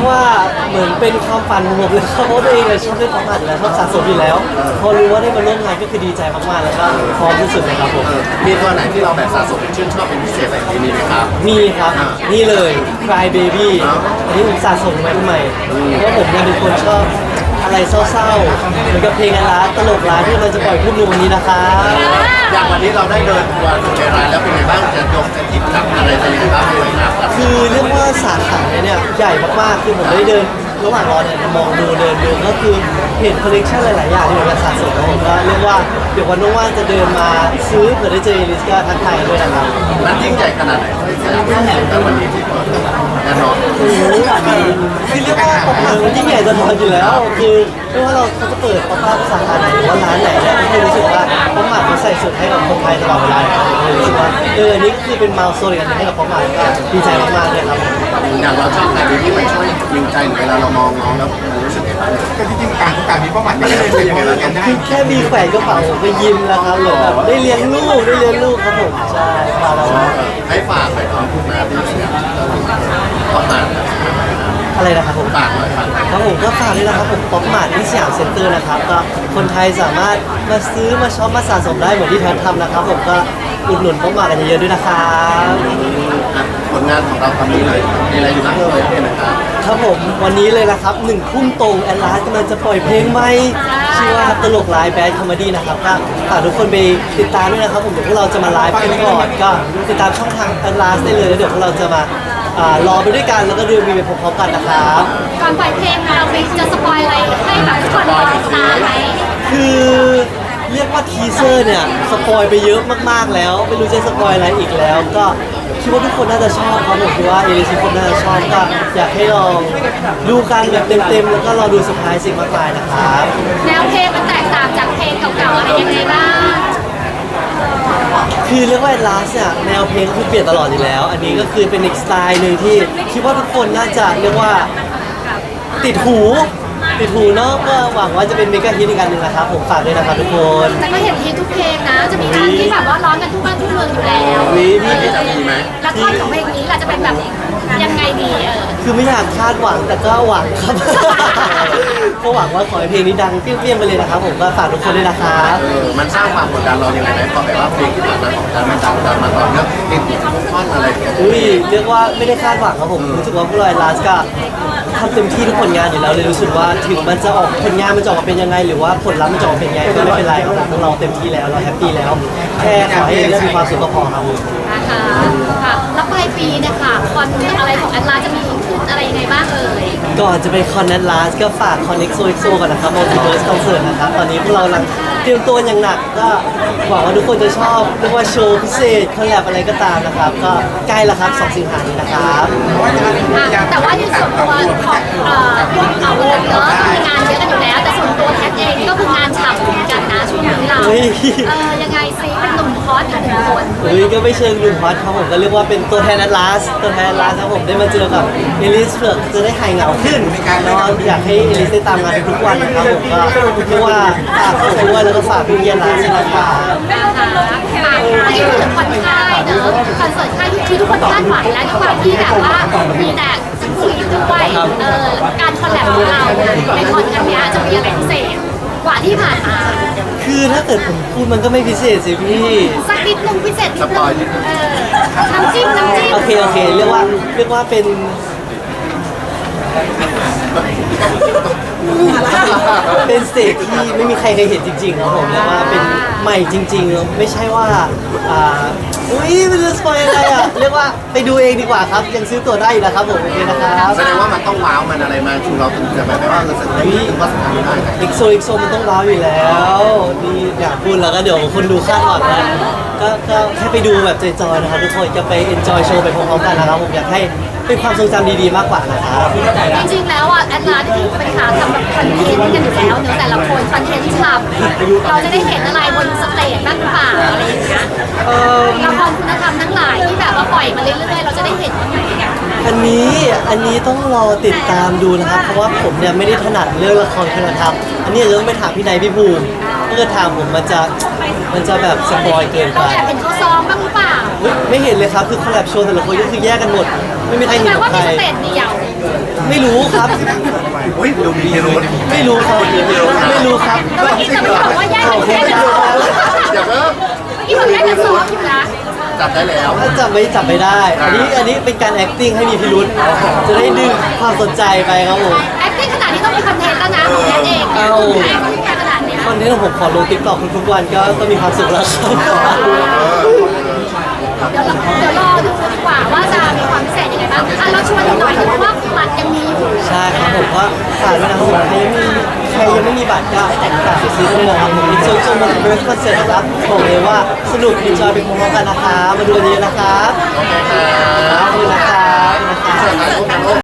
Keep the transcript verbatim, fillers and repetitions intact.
กว่าเหมือนเป็นความฝันของผมเลยครับเพราะตัวเองเลยชอบเล่นของหมัดอยู่แล้วชอบสะสมอยู่แล้วพอรู้ว่าได้มาร่วมงานก็คือดีใจมากๆแล้วก็พร้อมที่สุดเลยครับผมมีตัวไหนที่เราแบบสะสมชื่นชอบเป็นพิเศษอะไรที่นี่ไหมครับมีครับนี่เลย Cry Baby อันนี้ผมสะสมไว้ทำไมเพราะผมเนี่ยเป็นคนชอบอะไรเศร้าๆเหมือนกับเพลงอันร้าตลกร้ายที่เราจะปล่อยพูดในวันนี้นะครับอย่างวันนี้เราได้เดินทัวร์ในร้านแล้วเป็นไงบ้างจะยกจะจิบจับอะไรเป็นยังไงบ้างเลยครับคือเรียกว่าสาขาเนี่ยใหญ่มากๆคือผมได้เดินระหว่างรอเนี่ยมองดูเดินดูก็คือเห็นคอลเลกชันหลายๆอย่างที่ผมจะสะสมแล้วผมก็เรียกว่าเดี๋ยววันว่างๆจะเดินมาซื้อเผื่อได้เจอเอลิสก็ทักทายกันด้วยนะครับร้านยิ่งใหญ่ขนาดไหนสยามพิเศษแต่วันนี้ที่เปิดแน่นอนโอ้โหคือเรียกว่าป๊อปมามันยิ่งใหญ่ตลอดอยู่แล้วคือไม่ว่าเราเขาจะเปิดป๊อปมาสาขาไหนหรือว่าร้านไหนเนี่ยก็คือรู้สึกว่าป๊อปมาเขาใส่สุดให้กับคนไทยตลอดเวลาเลยรู้สึกว่าเอออันนี้ก็คือเป็นมาลโซนอีกอันหนึงให้กับป๊อปมาก็ดีใจมากๆเลยครับอย่างเราชอบอะไรที่มันช่วยยิงใจหรือเวลาเรามองน้องแล้วมันรู้สึกยังไงบ้างก็ที่จริงต่างคนต่างมีเป้าหมายไม่ได้เลยยังไงเรากันได้คือแค่มีแขวนกระเป๋าผมก็ยิ้มแล้วครับเหมือนแบบได้เลี้ยงลูกได้เลี้ยงลูกครับผมใช่มาแล้วให้ฝากไปน้องมาที่สยามขอฝากอะไรนะครับผมฝากหน่อยฝากครับผมก็ฝากด้วยนะครับผมป๊อปมาร์ทที่สยามเซ็นเตอร์นะครับก็คนไทยสามารถมาซื้อมาช็อปมาสะสมได้เหมือนที่แทนทำนะครับผมก็อุดหนุนป๊อปมาร์ทกันเยอะๆด้วยนะครับผลงานของเราตอนนี้เลยมีอะไรอยู่บ้างเลยเป็นนะครับครับผมวันนี้เลยนะครับหนึ่งทุ่มตรงแอนลาสกำลังจะปล่อยเพลงใหม่ชื่อว่าตลกไลฟ์แบดคอมเมดี้นะครับก็ฝากทุกคนไปติดตามด้วยนะครับผมเดี๋ยวพวกเราจะมาไลฟ์กันก่อนก็ติดตามช่องทางแอนลาสได้เลยแล้วเดี๋ยวพวกเราจะมาอ่ารอไปด้วยกันแล้วก็ดูมีไปพร้อมๆกันนะครับก่อนปล่อยเพลงเราไปจะสปอยอะไรให้แบบทุกคนรอติดตามไหมคือเรียกว่าทีเซอร์เนี่ยสปอยไปเยอะมากๆแล้วไม่รู้จะสปอยอะไรอีกแล้ว ก็คิดว่าทุกคนน่าจะชอบครับผมคิดว่าเอลิทุกคนน่าจะชอบก็อยากให้ลองดูกันแบบเต็มๆแล้วก็รอดูเซอร์ไพรส์สิ่งมากมายนะครับแนวเพลงมันแตกต่างจากเพลงเก่าๆอะไรยังไงบ้างคือเรียกว่าลาสเนี่ยแนวเพลงคือเปลี่ยนตลอดอยู่แล้ว อันนี้ก็คือเป็นอีกสไตล์หนึ่งที่คิดว่าทุกคนน่าจะเรียกว่าติดหูติดหูเนาะก็หวังว่าจะเป็นเมกะฮิตอีกอันหนึ่งนะครับผมฝากด้วยนะครับทุกคนแต่ก็เห็นฮิตทุกเพลงนะ จะมีงานที่แบบว่าร้องกันทุกบ้านทุกเมืองอยู่แล้ววิพี่จะมีไหมแล้วท่อนของเพลงนี้ล่ะจะเป็นแบบยังไงดีเออคือไม่อยากคาดหวังแต่ก็หวังครับ ก็หวังว่าขอให้เพลงนี้ดังเปรี้ยงๆไปเลยนะครับผมก็ฝากทุกคนด้วยนะครับเออมันสร้างความกดดันเรายังไงไหมพอแบบว่าเพลงที่ผ่านมาของการมันดังดังมาต่อเนื่องติดติดทุกท่อนอะไรอย่างเงี้ยอุ้ยเรียกว่าไม่ได้คาดหวังครับผมรู้สึกว่าพวกเราลาสก็ทำเต็มที่ทุกผลงานอยู่แล้วเลยรู้สึกว่าถึงมันจะออกผลงานมันจะออกมาเป็นยังไง หรือว่าผลลัพธ์มันจะออกมาเป็นยังไงก็ไม่เป็นไรครับเราเต็มที่แล้วเราแฮปปี้แล้ว แค่ขอให้เรื่องมีความสุขก็พอครับผมนะคะค่ะแล้วปลายปีเนี่ยค่ะคอนอะไรของแอดลาจะมีขึ้นอะไรยังไงบ้างเอ่ยก่อนจะไปคอนเนตลาสก็ฝากคอนเน็กโซเอ็กโซก่อนนะครับมัลติเวิร์สคอนเสิร์ตนะครับตอนนี้พวกเรากำลังเตรียมตัวอย่างหนักก็หวังว่าทุกคนจะชอบเรียกว่าโชว์พิเศษคอลแลบอะไรก็ตามนะครับ ก็ใกล้แล้วครับสองสิงหาคมนี้นะครับอ่ะแต่ว่าในส่วนตัวของเอ่อพวกเราวงเนอะมีงานเยอะกันอยู่แล้ว แต่ส่วนตัวแคทเองก็คืองานฉ่ำเหมือนกันนะช่วงนี้เราเฮ้ยเออยังไงซิเป็นหนุ่มฮอตอีกหนึ่งคนเฮ้ยก็ไม่เชิงหนุ่มฮอตครับผมก็เรียกว่าเป็นตัวแทนแอตลาสตัวแทนแอตลาสครับผมได้มาเจอกับเอลิสเพื่อจะได้หายเหงาขึ้นแล้วอยากให้เอลิสได้ตามงานทุกวันนะครับผมก็เรียกว่าฝากผมด้วยแล้วก็ฝากพี่เยียนลาสนะครับนะคะอ่ะอันนี้คือคอนค่ายเนอะคอนเสิร์ตค่ายที่ทุกคนคาดหวังแล้วด้วยความที่แบบว่ามีแต่คุยด้วยเออการคอลแลบของเราในคอนครั้งเนี้ยจะมีอะไรพิเศษกว่าที่ผ่านมาคือถ้าเกิดผมพูดมันก็ไม่พิเศษสิพี่สักนิดนึงพิเศษนิดนึงเออน้ำจิ้มน้ำจิ้มโอเคโอเคเรียกว่าเรียกว่าเป็นเป็นสเตจที่ไม่มีใครเคยเห็นจริงๆครับผมเรียกว่าเป็นใหม่จริงๆไม่ใช่ว่าอ่าอุ้ยไม่รู้สปอยอะไรอ่ะเรียกว่าไปดูเองดีกว่าครับยังซื้อตั๋วได้อยู่นะครับผมโอเคนะครับแสดงว่ามันต้องว้าวมันอะไรมาชูเราถึงจะแบบว่าเราจะได้ถึงว่าสำคัญได้อีกโซอีกโซมันต้องว้าวอยู่แล้วนี่อยากพูดแล้วก็เดี๋ยวคนดูคาดหวังนะก็ก็แค่ไปดูแบบจอยๆนะครับทุกคนจะไป enjoy โชว์ไปพร้อมๆกันนะครับผมอยากให้เป็นความทรงจำดีๆมากกว่านะครับจริงๆแล้วอ่ะแอดลาที่เป็นขาทำแบบคอนเทนต์กันอยู่แล้วเนอะแต่ละคนคอนเทนต์ฉ่ำเราจะได้เห็นอะไรบนสเตจบ้างหรือเปล่าอะไรอย่างเงี้ยเอ่อละครคุณธรรมทั้งหลายที่แบบว่าปล่อยมาเรื่อยๆเราจะได้เห็นบ้างไหมอ่ะอันนี้อันนี้ต้องรอติดตามดูนะครับ เพราะว่าผมเนี่ยไม่ได้ถนัดเรื่องละครคุณธรรมอันนี้เรื่องไปถามพี่นายพี่ภูมิถ้าเกิดถามผมมันจะมันจะแบบสปอยเกินไปเราแอบเห็นเขาซ้อมบ้างหรือเปล่าเฮ้ยไม่เห็นเลยครับคือคอลแลบโชว์แต่ละคนก็คือแยกกันหมด ไม่มีใครแปเห็ลนว่าใคมีรสเตจเดียวไม่รู้ครับอุ้ยดูมีพิรุธไม่รู้ครับไม่รู้ครับแต่เมื่อกี้แต่เมื่อกี้บอกว่าแยกกันแยกกันซ้อมอย่าเพิ่มเมื่อกี้บอกแยกกันซ้อมอยู่นะจับได้แล้วถ้าจับไม่จับไม่ได้ อันนี้อันนี้เป็นการ acting ให้มีพิรุษจะได้ดึงความสนใจไปครับผม acting ขนาดนี้ต้องมีคอนเทนต์แล้วนะของแยกเองเอา acting ขนาดเนี้ยคอนเทนต์ของผมขอลงติ๊กต็อกทุกๆวันก็ก็มีความสุขแล้วครับเดี๋ยวเราเดี๋ยวรอดูดีกว่าว่าจะมีความพิเศษยังไงบ้างอ่ะเราชวนอีกหน่อยเพราะว่าบัตรยังมีอยู่ใช่ครับผมว่าฝากด้วยนะครับผมใครยังไม่ใครยังไม่มีบัตรก็ฝากไปซื้อด้วยนะครับผมมิชชั่นโจมันเป็นคอนเสิร์ตนะครับบอกเลยว่าสนุกดีจอยไปพร้อมๆกันนะคะมาดูกันเยอะนะครับโอเคครับขอบคุณนะครับนะครับถ่ายรูปนะลูก